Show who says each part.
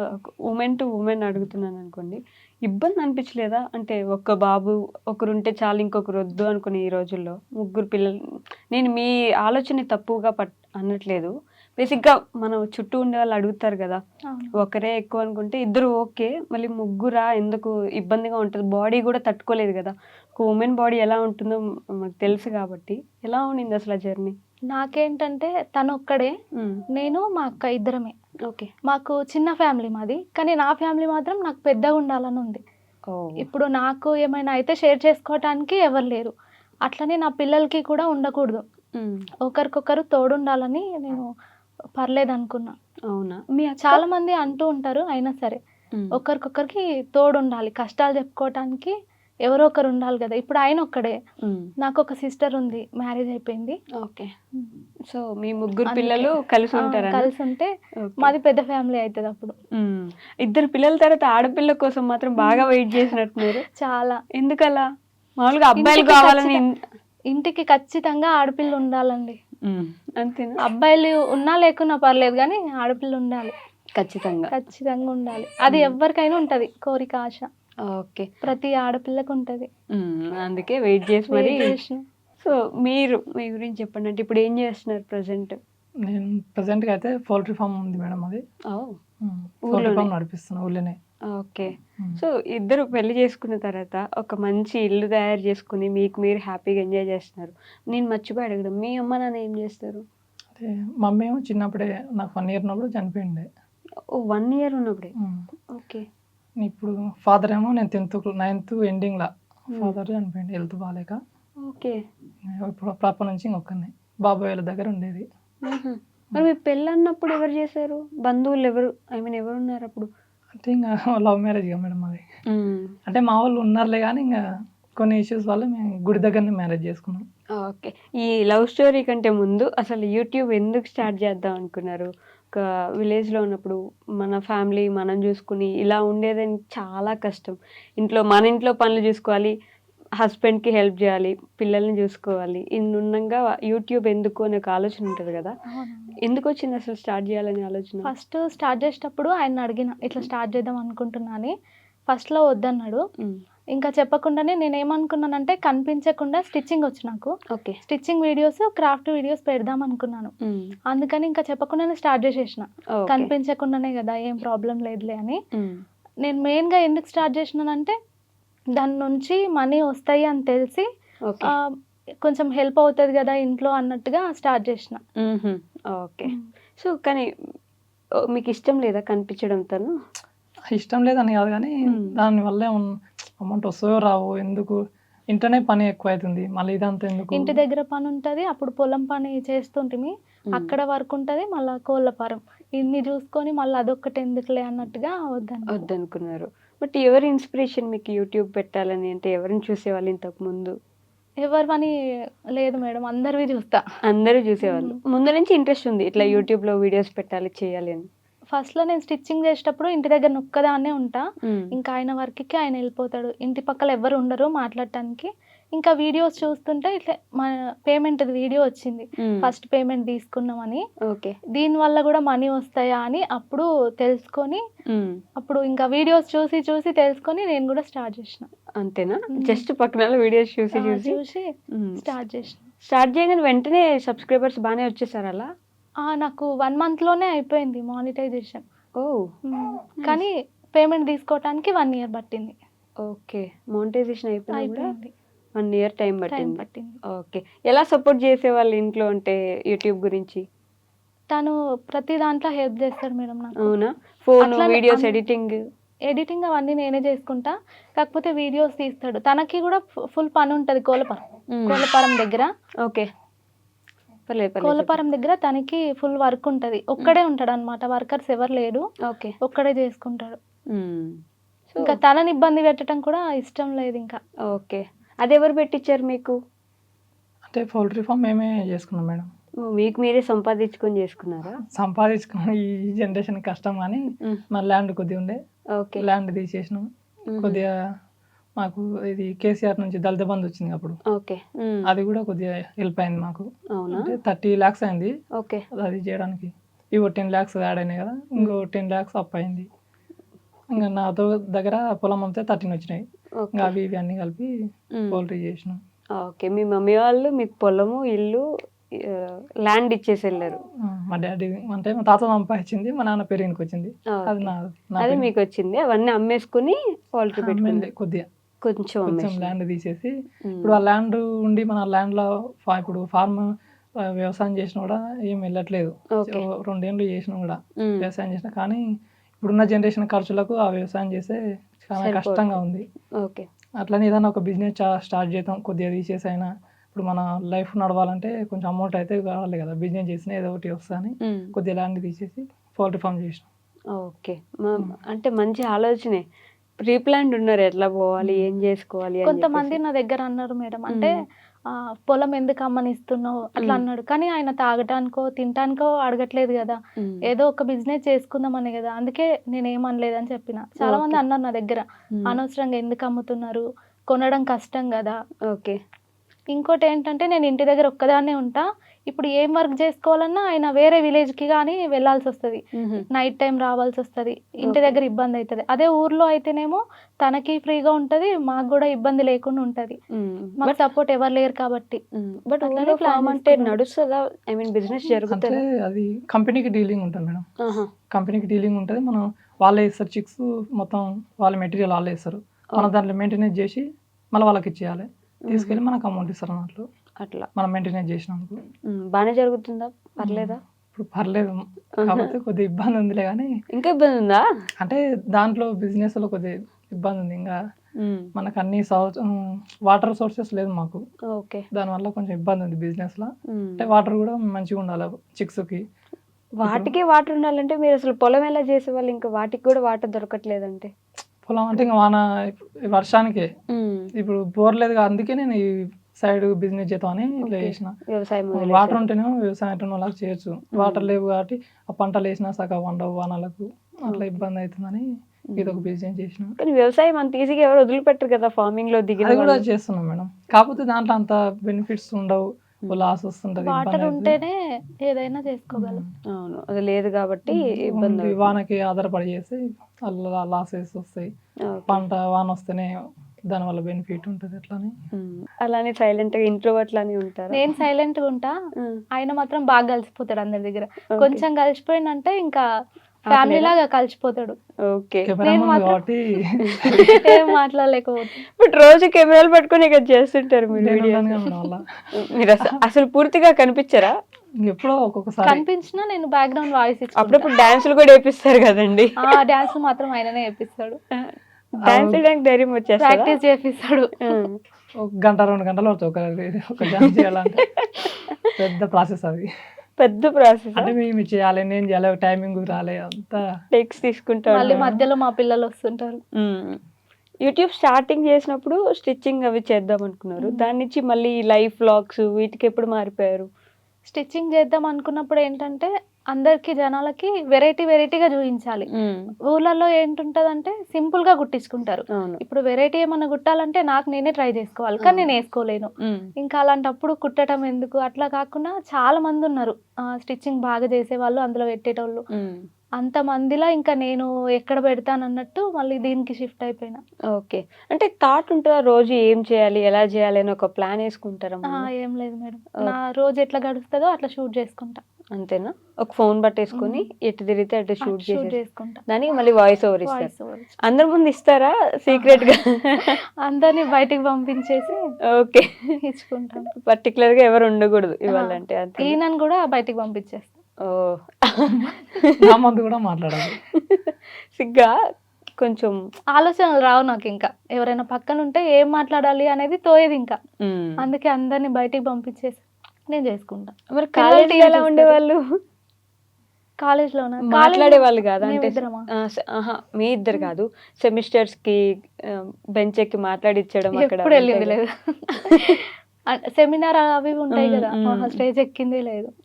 Speaker 1: Women to women అడుగుతున్నాను అనుకోండి. ఇబ్బంది అనిపించలేదా? అంటే ఒక్క బాబు ఒకరుంటే చాలు ఇంకొకరు వద్దు అనుకుని ఈ రోజుల్లో ముగ్గురు పిల్లలు నేను మీ ఆలోచన తప్పుగా అనట్లేదు. బేసిక్‌గా మనం చుట్టూ ఉండేవాళ్ళు అడుగుతారు గదా!
Speaker 2: అవును.
Speaker 1: ఒకరే ఎక్కువ అనుకుంటే ఇద్దరు ఓకే. మళ్ళీ ముగ్గురా ఎందుకు ఇబ్బందిగా ఉంటది. బాడీ గూడా తట్టుకోలేదు గదా! ఒక ఉమెన్ బాడీ ఎలా ఉంటుందో మనకు తెలుసు గాబట్టి. ఎలా ఉండింది అసలు ఆ జర్నీ?
Speaker 2: నాకేంటంటే తనొక్కడే.
Speaker 1: హ్మ్.
Speaker 2: నేను, మా అక్క ఇద్దరమే.
Speaker 1: ఓకే.
Speaker 2: మాకు చిన్న ఫ్యామిలీ మాది. కానీ నా ఫ్యామిలీ మాత్రం నాకు పెద్దగా ఉండాలని ఉంది.
Speaker 1: ఓహ్!
Speaker 2: ఇప్పుడు నాకు ఏమైనా అయితే షేర్ చేసుకోవటానికి ఎవరు లేరు. అట్లనే నా పిల్లలకి కూడా ఉండకూడదు.
Speaker 1: హ్మ్.
Speaker 2: ఒకరికొకరు తోడుండాలని నేను పర్లేదనుకున్నా.
Speaker 1: అవునా? మీ అక్క?
Speaker 2: చాలామంది అంటూ ఉంటారు. అయినా సరే
Speaker 1: హ్మ్.
Speaker 2: ఒకరికొకరికి తోడుండాలి. కష్టాలు చెప్పుకోవటానికి ఎవరో ఒకరు ఉండాలి గదా! ఇప్పుడు ఆయనొక్కడే.
Speaker 1: హ్మ్.
Speaker 2: నాకొక సిస్టర్ ఉంది. మ్యారేజ్ అయిపోయింది.
Speaker 1: ఓకే.
Speaker 2: హ్మ్.
Speaker 1: సో, మీ ముగ్గురు
Speaker 2: అందుకే.
Speaker 1: పిల్లలు కలిసి ఉంటారనా?
Speaker 2: కలిసుంటే
Speaker 1: ఓకే.
Speaker 2: మాది పెద్ద ఫ్యామిలీ అయితదప్పుడు.
Speaker 1: హ్మ్. ఇద్దరు పిల్లల తర్వాత ఆడపిల్ల కోసం మాత్రం బాగా వెయిట్ చేసినట్టున్నారు.
Speaker 2: చాలా.
Speaker 1: ఎందుకలా? మామూలుగా అబ్బాయిలు
Speaker 2: ఇంటికి
Speaker 1: కావాలని
Speaker 2: ఇంటికి ఖచ్చితంగా ఆడపిల్ల ఉండాలండి.
Speaker 1: హ్మ్. అంతేనా?
Speaker 2: అబ్బాయిలు ఉన్నా లేకున్నా పర్లేదు గానీ ఆడపిల్ల ఉండాలి.
Speaker 1: ఖచ్చితంగా.
Speaker 2: ఖచ్చితంగా ఉండాలి. అది ఎవ్వరికైనా ఉంటది కోరిక, ఆశ.
Speaker 1: ఓకే.
Speaker 2: ప్రతి ఆడపిల్లకుంటది.
Speaker 1: హ్మ్. అందుకే వెయిట్ చేసి మరి
Speaker 2: వెయిట్ చేసిన.
Speaker 1: సో, మీరు మీ గురించి చెప్పండి. అంటే ఇప్పుడు ఏం చేస్తున్నారు ప్రెజెంట్?
Speaker 3: నేను ప్రెజెంట్‌గా అయితే పౌల్ట్రీ ఫార్మ్ ఉంది మేడం అది.
Speaker 1: ఓహ్!
Speaker 3: పౌల్ట్రీ
Speaker 1: ఊర్లోనే.
Speaker 3: ఫార్మ్ నడిపిస్తున్నా ఊర్లోనే.
Speaker 1: ఓకే.
Speaker 3: హ్మ్.
Speaker 1: సో, ఇద్దరు పెళ్లి చేసుకున్న తర్వాత ఒక మంచి ఇల్లు తయారు చేసుకొని మీకు మీరు హ్యాపీగా ఎంజాయ్ చేస్తున్నారు. నేను మర్చిపోయి అడగడం. మీ అమ్మ, నాన్న ఏం చేస్తారు?
Speaker 3: అంటే మమ్మీ ఏమో చిన్నప్పుడే నాకు 1 ఇయర్ ఉన్నప్పుడు చనిపోయిండే.
Speaker 1: ఓహ్! 1 ఇయర్ ఉన్నప్పుడే.
Speaker 3: హ్మ్.
Speaker 1: ఓకే.
Speaker 3: ఇప్పుడు ఫాదర్ ఏమో నేను 9థ్ ఎండింగ్‌ల
Speaker 1: హ్మ్.
Speaker 3: ఫాదర్ చనిపోయిండు హెల్త్ బాలేక.
Speaker 1: ఓకే.
Speaker 3: ఇప్పుడు అప్పటి నుంచి ఇంకొక్కడినే. బాబాయ్ వాళ్ళ దగ్గర ఉండేది.
Speaker 1: హుహు. మరి మీ పెళ్ళన్నప్పుడు ఎవరు చేశారు? బంధువులు ఎవరు? ఐ మీన్ ఎవరున్నారప్పుడు?
Speaker 3: అంటే ఇంగ లవ్ మ్యారేజ్‌గా మేడం అది.
Speaker 1: హ్మ్.
Speaker 3: అంటే మా వాళ్ళు ఉన్నారులే గానీ ఇంగ కొన్ని ఇష్యూస్ వల్ల మేము గుడి దగ్గరనే మ్యారేజ్ చేసుకున్నాం.
Speaker 1: ఓకే. ఈ లవ్ స్టోరీ కంటే ముందు అసలు యూట్యూబ్ ఎందుకు స్టార్ట్ చేద్దాం అనుకున్నారు? ఒక విలేజ్‌లో ఉన్నప్పుడు మన ఫ్యామిలీ మనం చూసుకొని ఇలా ఉండేదని చాలా కష్టం. మన ఇంట్లో పనులు చూసుకోవాలి. హస్బెండ్‌కి హెల్ప్ జేయాలి. పిల్లల్ని జూసుకోవాలి. ఇన్నుండంగా యూట్యూబ్ ఎందుకు అనే ఒక ఆలోచన ఉంటది గదా!
Speaker 2: అవునవును.
Speaker 1: ఎందుకొచ్చిందసలు స్టార్ట్ జేయాలనే ఆలోచన?
Speaker 2: ఫస్ట్ స్టార్ట్ చేసేటప్పుడు ఆయన్నడిగిన. ఇట్లా స్టార్ట్ చేద్దాం అనుకుంటున్నా అని. ఫస్ట్‌లో వద్దన్నాడు.
Speaker 1: హ్మ్.
Speaker 2: ఇంకా చెప్పకుండానే నేనేమనుకున్నానంటే కనిపించకుండా స్టిచ్చింగొచ్చు నాకు.
Speaker 1: Okay.
Speaker 2: Stitching videos, craft videos పెడదామనుకున్నాను.
Speaker 1: హ్మ్.
Speaker 2: అందుకని ఇంకా చెప్పకుండానే స్టార్ట్ చేసేసిన.
Speaker 1: ఓకే.
Speaker 2: కనిపించకుండానే గదా! ఏం ప్రాబ్లమ్ లేదులే అని.
Speaker 1: హ్మ్.
Speaker 2: నేను మెయిన్‌గా ఎందుకు స్టార్ట్ చేసినానంటే దాని నుంచి మనీ వస్తాయి అని తెలిసి
Speaker 1: ఓకే.
Speaker 2: కొంచెం హెల్ప్ అవుతది గదా ఇంట్లో అన్నట్టుగా స్టార్ట్ చేసిన.
Speaker 1: హుహు. ఓకే.
Speaker 2: హ్మ్.
Speaker 1: సో, కానీ మీకిష్టం లేదా కనిపించడం తను?
Speaker 3: ఇష్టం లేదని కాదు గానీ
Speaker 1: హ్మ్.
Speaker 3: దానివల్ల అమౌంట్ వస్తదో రావో ఎందుకు ఇంట్లోనే పని ఎక్కువైతుంది. మళ్ళీ ఇదంతా ఎందుకు?
Speaker 2: ఇంటి దగ్గర పనుంటది. అప్పుడు పొలం పని చేస్తుంటిమి.
Speaker 1: హ్మ్.
Speaker 2: అక్కడ వర్క్ ఉంటది. మళ్ళా కోళ్ళ ఫారం. ఇన్ని చూసుకొని మళ్ళీ అదొక్కటి ఎందుకులే అన్నట్టుగా వద్దన్నా.
Speaker 1: వద్దనుకున్నారు. బట్ ఎవరి ఇన్‌స్పిరేషన్ మీకు యూట్యూబ్ పెట్టాలని? అంటే ఎవరిని చూసేవాళ్ళు ఇంతకుముందు?
Speaker 2: ఎవరివని లేదు మేడం. అందరివి చూస్తా.
Speaker 1: అందరూ జూసేవాళ్ళు.
Speaker 2: హ్మ్.
Speaker 1: ముందు నుంచి ఇంట్రెస్ట్ ఉంది. ఇట్లా
Speaker 2: హ్మ్.
Speaker 1: యూట్యూబ్‌లో వీడియోస్ పెట్టాలి, చేయాలి అని.
Speaker 2: ఫస్ట్‌లో నేను స్టిచ్చింగ్ చేసేటప్పుడు ఇంటి దగ్గర ఒక్కదాన్నే ఉంటా.
Speaker 1: హ్మ్.
Speaker 2: ఇంకా ఆయన వర్క్‌కి ఆయన ఎళ్ళిపోతాడు. ఇంటి పక్కల ఎవ్వరు ఉండరు మాట్లాడటానికి. ఇంకా వీడియోస్ చూస్తుంటే ఇట్లా పేమెంట్‌ది వీడియో వచ్చింది.
Speaker 1: హ్మ్.
Speaker 2: ఫస్ట్ పేమెంట్ తీసుకున్నామని.
Speaker 1: ఓకే.
Speaker 2: దీనివల్ల గూడా మనీ వస్తాయా అని అప్పుడు తెలుసుకొని,
Speaker 1: హ్మ్.
Speaker 2: అప్పుడు ఇంకా వీడియోస్ చూసి, చూసి తెలుసుకొని నేను గూడా స్టార్ట్ జేసిన.
Speaker 1: అంతేనా?
Speaker 2: హ్మ్.
Speaker 1: జస్ట్ పక్కనోళ్ళ వీడియోస్ చూసి,
Speaker 2: చూసి
Speaker 1: హ్మ్.
Speaker 2: స్టార్ట్ జేసిన.
Speaker 1: స్టార్ట్ చేయగానే వెంటనే సబ్‌స్క్రైబర్స్ బానే వచ్చేసారా అలా?
Speaker 2: నాకు 1 మంత్‌లోనే అయిపోయింది మానిటైజేషన్.
Speaker 1: ఓహ్!
Speaker 2: హ్మ్.
Speaker 1: నైస్.
Speaker 2: కానీ పేమెంట్ తీసుకోవటానికి 1 ఇయర్ పట్టింది.
Speaker 1: ఓకే. మానిటైజేషన్ అయిపోయినా గూడా
Speaker 2: అయిపోయింది.
Speaker 1: 1 ఇయర్ టైం
Speaker 2: టైం
Speaker 1: పట్టింది.
Speaker 2: పట్టింది.
Speaker 1: ఓకే. ఎలా సపోర్ట్ చేసేవాళ్ళు ఇంట్లో అంటే యూట్యూబ్ గురించి?
Speaker 2: తను ప్రతి దాంట్లో హెల్ప్ జేస్తాడు మేడం నాకు.
Speaker 1: అవునా? ఫోను,
Speaker 2: అట్లనే
Speaker 1: వీడియోస్ ఎడిటింగ్.
Speaker 2: ఎడిటింగ్ అవన్నీ నేనే చేసుకుంటా. కాకపోతే వీడియోస్ తీస్తాడు. తనకి గూడా ఫుల్ పనుంటది
Speaker 1: హ్మ్.
Speaker 2: కోళ్ళపారం దగ్గర.
Speaker 1: ఓకే. పర్లేదు, పర్లేదు చెప్పండి.
Speaker 2: కోళ్ళపారం దగ్గర తనకి ఫుల్ వర్క్ ఉంటది.
Speaker 1: హ్మ్.
Speaker 2: ఒక్కడే ఉంటాడనమాట. వర్కర్స్ ఎవరు లేరు.
Speaker 1: ఓకే.
Speaker 2: ఒక్కడే చేసుకుంటాడు.
Speaker 1: హ్మ్. సో
Speaker 2: ఇంకా తనని ఇబ్బంది పెట్టడం కూడా ఇష్టం లేదింకా.
Speaker 1: ఓకే. అదెవరు పెట్టిచ్చారు మీకు?
Speaker 3: అంటే పౌల్ట్రీ ఫార్మ్ మేమే చేసుకున్నాం మేడం.
Speaker 1: మీకు మీరే సంపాదించుకొని చేసుకున్నారా?
Speaker 3: సంపాదించుకున్న ఈ జనరేషన్ కష్టం గానీ
Speaker 1: హ్మ్.
Speaker 3: మా ల్యాండ్ కొద్దిగా ఉండే.
Speaker 1: ఓకే.
Speaker 3: ల్యాండ్ తీసేసినాం.
Speaker 1: హుహు.
Speaker 3: కొద్దిగా మాకు ఇది కేసీఆర్ నుంచి దళిత బంధు వచ్చింది అప్పుడు.
Speaker 1: ఓకే. హ్మ్.
Speaker 3: అది కూడా కొద్దిగా హెల్ప్ అయింది మాకు.
Speaker 1: అవునా?
Speaker 3: అంటే 30 lakhs అయింది
Speaker 1: ఓకే.
Speaker 3: అది చేయడానికి. ఇవో 10 lakhs యాడ్ అయినాయి కదా! ఇంకో 10 lakhs అప్పయింది. ఇంకా నాతో దగ్గర పొలం అమ్మితే 13 వచ్చినాయి.
Speaker 1: ఓకే.
Speaker 3: ఇంకా అవి ఇవి అన్నీ కలిపి పౌల్ట్రీ చేసినాం.
Speaker 1: ఓకే. మీ మమ్మీ వాళ్ళు మీకు పొలము, ఇల్లు, ల్యాండ్ ఇచ్చేసి వెళ్ళారు.
Speaker 3: మా డాడీ అంటే మా తాత సంపాదించింది, మా నాన్న పేరుకి వచ్చింది. అది
Speaker 1: ఓకే.
Speaker 3: నా
Speaker 1: అది
Speaker 3: పేరు.
Speaker 1: మీకు వచ్చింది. అవన్నీ అమ్మేసుకుని పౌల్ట్రీ
Speaker 3: అమ్మింది
Speaker 1: పెట్టుకున్నారు.
Speaker 3: కొద్దిగా
Speaker 1: కొంచెం
Speaker 3: కొంచెం
Speaker 1: అమ్మేసి.
Speaker 3: ల్యాండ్ తీసేసి ఇప్పుడు ఆ ల్యాండ్ ఉండి మన ల్యాండ్లో ఇప్పుడు ఫార్మ్ వ్యవసాయం చేసినా కూడా ఏం వెళ్ళట్లేదు.
Speaker 1: ఓకే.
Speaker 3: 2 ఏళ్ళు చేసినా కూడా వ్యవసాయం చేసినా, కానీ ఇప్పుడున్న జనరేషన్ ఖర్చులకు ఆ వ్యవసాయం చేస్తే చాలా కష్టంగా ఉంది.
Speaker 1: ఓకే.
Speaker 3: అట్లనే ఏదైనా ఒక బిజినెస్ స్టార్ట్ చేద్దాం, కొద్దిగా తీసేసి అయినా. ఇప్పుడు మన లైఫ్ నడవాలంటే కొంచెం అమౌంట్ అయితే కావాలి కదా, బిజినెస్ చేసినా ఏదో ఒకటి వస్తుందని కొద్దిగా ల్యాండ్ తీసేసి పౌల్ట్రీ ఫామ్ చేసినాం.
Speaker 1: ఓకే. అంటే మంచి ఆలోచనే. ప్రీ ప్లాన్డ్ ఉన్నారు ఎట్లా పోవాలి, ఏం చేసుకోవాలి అని
Speaker 2: కొంతమంది నా దగ్గర అన్నారు మేడం, అంటే పొలం ఎందుకు అమ్మనిస్తున్నావు అట్లా అన్నాడు. కానీ ఆయన తాగటానికో తినటానికో అడగట్లేదు కదా, ఏదో ఒక బిజినెస్ చేసుకుందామని కదా, అందుకే నేను ఏమనలేదని చెప్పిన. చాలా మంది అన్నారు నా దగ్గర, అనవసరంగా ఎందుకు అమ్ముతున్నారు, కొనడం కష్టం కదా.
Speaker 1: ఓకే.
Speaker 2: ఇంకోటి ఏంటంటే నేను ఇంటి దగ్గర ఒక్కదాన్నే ఉంటా. ఇప్పుడు ఏం వర్క్ చేసుకోవాలన్నా ఆయన వేరే విలేజ్కి కానీ వెళ్ళాల్సి వస్తుంది, నైట్ టైం రావాల్సి వస్తుంది, ఇంటి దగ్గర ఇబ్బంది అవుతుంది. అదే ఊర్లో అయితేనేమో తనకి ఫ్రీగా ఉంటుంది, మాకు కూడా ఇబ్బంది లేకుండా ఉంటుంది. మాకు సపోర్ట్ ఎవరు లేరు కాబట్టి.
Speaker 1: బట్ ఊర్లో ఫామ్ అంటే నడుస్తుందా? ఐ మీన్ బిజినెస్
Speaker 3: అంటే
Speaker 1: జరుగుతుంది.
Speaker 3: అది కంపెనీకి డీలింగ్ ఉంటుంది మేడం. కంపెనీకి డీలింగ్ ఉంటుంది. మనం వాళ్ళే ఇస్తారు చిక్స్, మొత్తం వాళ్ళ మెటీరియల్ వాళ్ళే ఇస్తారు. మనం దాంట్లో మెయింటెనెన్స్ చేసి మళ్ళీ వాళ్ళకి ఇచ్చేయాలి, తీసుకెళ్ళి మనకు అమౌంట్ ఇస్తారు అన్నట్లు.
Speaker 1: అట్లా
Speaker 3: మనం మెయింటెనెన్స్ చేసినందుకు
Speaker 1: బాగానే జరుగుతుందా? పర్లేదా?
Speaker 3: ఇప్పుడు పర్లేదు, కాకపోతే కొద్దిగా ఇబ్బంది ఉందిలే. కానీ
Speaker 1: ఇంకా ఇబ్బంది ఉందా?
Speaker 3: అంటే దాంట్లో బిజినెస్ లో కొద్దిగా ఇబ్బంది ఉంది. ఇంకా మనకు అన్ని వాటర్ సోర్సెస్ లేదు మాకు.
Speaker 1: ఓకే.
Speaker 3: దానివల్ల కొంచెం ఇబ్బంది ఉంది బిజినెస్ లో. అంటే వాటర్ కూడా మంచిగా ఉండాలి చిక్స్ కి.
Speaker 1: వాటికే వాటర్ ఉండాలంటే మీరు అసలు పొలం ఎలా చేసేవాళ్ళు? ఇంకా వాటికి కూడా వాటర్ దొరకట్లేదంటే
Speaker 3: పొలం అంటే ఇంకా వర్షానికే. ఇప్పుడు బోర్ లేదు, అందుకే నేను ఈ సైడ్ బిజినెస్ చేద్దామని ఇట్లా చేసిన.
Speaker 1: వ్యవసాయం
Speaker 3: వాటర్ ఉంటేనే వ్యవసాయం వాళ్ళకి చేయొచ్చు, వాటర్ లేవు కాబట్టి ఆ పంటలు వేసినా సగం వండవు వానలకు, అట్లా ఇబ్బంది అవుతుందని ఇది ఒక బిజినెస్ చేసిన.
Speaker 1: కానీ వ్యవసాయం అంత ఈజీగా ఎవరు వదిలిపెట్టరు కదా, ఫార్మింగ్ లో దిగిన
Speaker 3: అది కూడా చేస్తున్నాం మేడం. కాకపోతే దాంట్లో అంత బెనిఫిట్స్ ఉండవు, లాస్ వస్తుంటది,
Speaker 2: వాటర్ ఉంటేనే ఏదైనా చేసుకోగలం.
Speaker 1: అవును, అది లేదు కాబట్టి ఇబ్బంది.
Speaker 3: వానకి ఆధారపడి చేస్తే లాసెస్ వస్తాయి. పంట వాన వస్తేనే దానివల్ల బెనిఫిట్ ఉంటుంది. అట్లానే
Speaker 1: అలానే సైలెంట్ గా ఇంట్లో అట్లానే ఉంటారు.
Speaker 2: నేను సైలెంట్ గా ఉంటా, ఆయన మాత్రం బాగా కలిసిపోతాడు అందరి దగ్గర. కొంచెం కలిసిపోయిందంటే ఇంకా ఫ్యామిలీ లాగా కలిసిపోతాడు.
Speaker 1: ఓకే.
Speaker 3: కాబట్టి
Speaker 2: ఏం మాట్లాడలేకపోతే.
Speaker 1: బట్ రోజు కెమెరాలు పట్టుకొని ఇక్కడ చేస్తుంటారు మీరు. మీరు అసలు పూర్తిగా కనిపించరా?
Speaker 3: ఎప్పుడో ఒక్కొక్కసారి
Speaker 2: కనిపించినా నేను బ్యాక్గ్రౌండ్ వాయిస్ ఇచ్చి
Speaker 1: అప్పుడప్పుడు డాన్సులు కూడా వేపిస్తారు కదండి.
Speaker 2: డాన్స్ మాత్రం ఆయననే వేపిస్తాడు.
Speaker 1: డాన్స్ చేయడానికి ధైర్యం వచ్చేసి
Speaker 2: ప్రాక్టీస్ చేపిస్తాడు.
Speaker 3: 1 గంట 2 గంటలు అవుతుంది ఒక డాన్స్ చేయాలంటే. పెద్ద ప్రాసెస్ అది,
Speaker 1: పెద్ద ప్రాసెస్.
Speaker 3: అంటే మేము చేయాలి, నేను చేయాలి, టైమింగ్ రాలే, అంతా
Speaker 1: టెక్స్ తీసుకుంటారు.
Speaker 2: మళ్ళీ మధ్యలో మా పిల్లలు వస్తుంటారు.
Speaker 1: యూట్యూబ్ స్టార్టింగ్ చేసినప్పుడు స్టిచ్చింగ్ అవి చేద్దాం అనుకున్నారు, దాని నుంచి మళ్ళీ లైఫ్ వ్లాగ్స్ వీటికి ఎప్పుడు మారిపోయారు?
Speaker 2: స్టిచ్చింగ్ చేద్దాం అనుకున్నప్పుడు ఏంటంటే అందరికి జనాలకి వెరైటీగా చూపించాలి. ఊర్లలో ఏంటుంటదంటే సింపుల్ గా కుట్టించుకుంటారు. ఇప్పుడు వెరైటీ ఏమన్నా కుట్టాలంటే నాకు నేనే ట్రై చేసుకోవాలి, కానీ నేను వేసుకోలేను. ఇంకా అలాంటప్పుడు కుట్టడం ఎందుకు, అట్లా కాకుండా చాలా మంది ఉన్నారు స్టిచ్చింగ్ బాగా చేసేవాళ్ళు, అందులో పెట్టేటోళ్ళు. అంత మందిలా ఇంకా నేను ఎక్కడ పెడతాను అన్నట్టు మళ్ళీ దీనికి షిఫ్ట్ అయిపోయినా.
Speaker 1: ఓకే. అంటే థాట్ ఉంటుందా రోజు ఏం చేయాలి, ఎలా చేయాలి అని ఒక ప్లాన్ వేసుకుంటారా?
Speaker 2: ఏం లేదు మేడం, నా రోజు ఎట్లా గడుస్తుందో అట్లా షూట్ చేసుకుంటా.
Speaker 1: అంతేనా? ఒక ఫోన్ పట్టేసుకొని ఎటు తిరిగితే అటు షూట్
Speaker 2: చేసుకుంటా.
Speaker 1: దానికి మళ్ళీ వాయిస్ ఓవర్ ఇస్తారు. అందరి ముందు ఇస్తారా సీక్రెట్ గా? అందరినీ
Speaker 2: బయటికి పంపించేసి
Speaker 1: ఓకే
Speaker 2: ఇచ్చుకుంటాం.
Speaker 1: పర్టికులర్ గా ఎవరు ఉండకూడదు ఇవ్వాలంటే.
Speaker 2: ఈయనని కూడా బయటికి పంపించేస్తాం.
Speaker 3: నా ముందు కూడా మాట్లాడాలి.
Speaker 1: సిగ్గా కొంచెం
Speaker 2: ఆలోచనలు రావు నాకు. ఇంకా ఎవరైనా పక్కన ఉంటే ఏం మాట్లాడాలి అనేది తోయేది ఇంకా. అందుకే అందరినీ బయటికి పంపించేసి నేను చేసుకుంటా.
Speaker 1: మరి కాలేజ్ ఎలా ఉండేవాళ్ళు? కాలేజ్ లో మాట్లాడే వాళ్ళు కాదు అంటే మీ ఇద్దరు కాదు, సెమిస్టర్స్ కి బెంచ్ ఎక్కి మాట్లాడిచ్చడం అక్కడ
Speaker 2: వెళ్ళింది లేదు. సెమినార్ అవి ఉంటాయి కదా, స్టేజ్ ఎక్కిందే లేదు.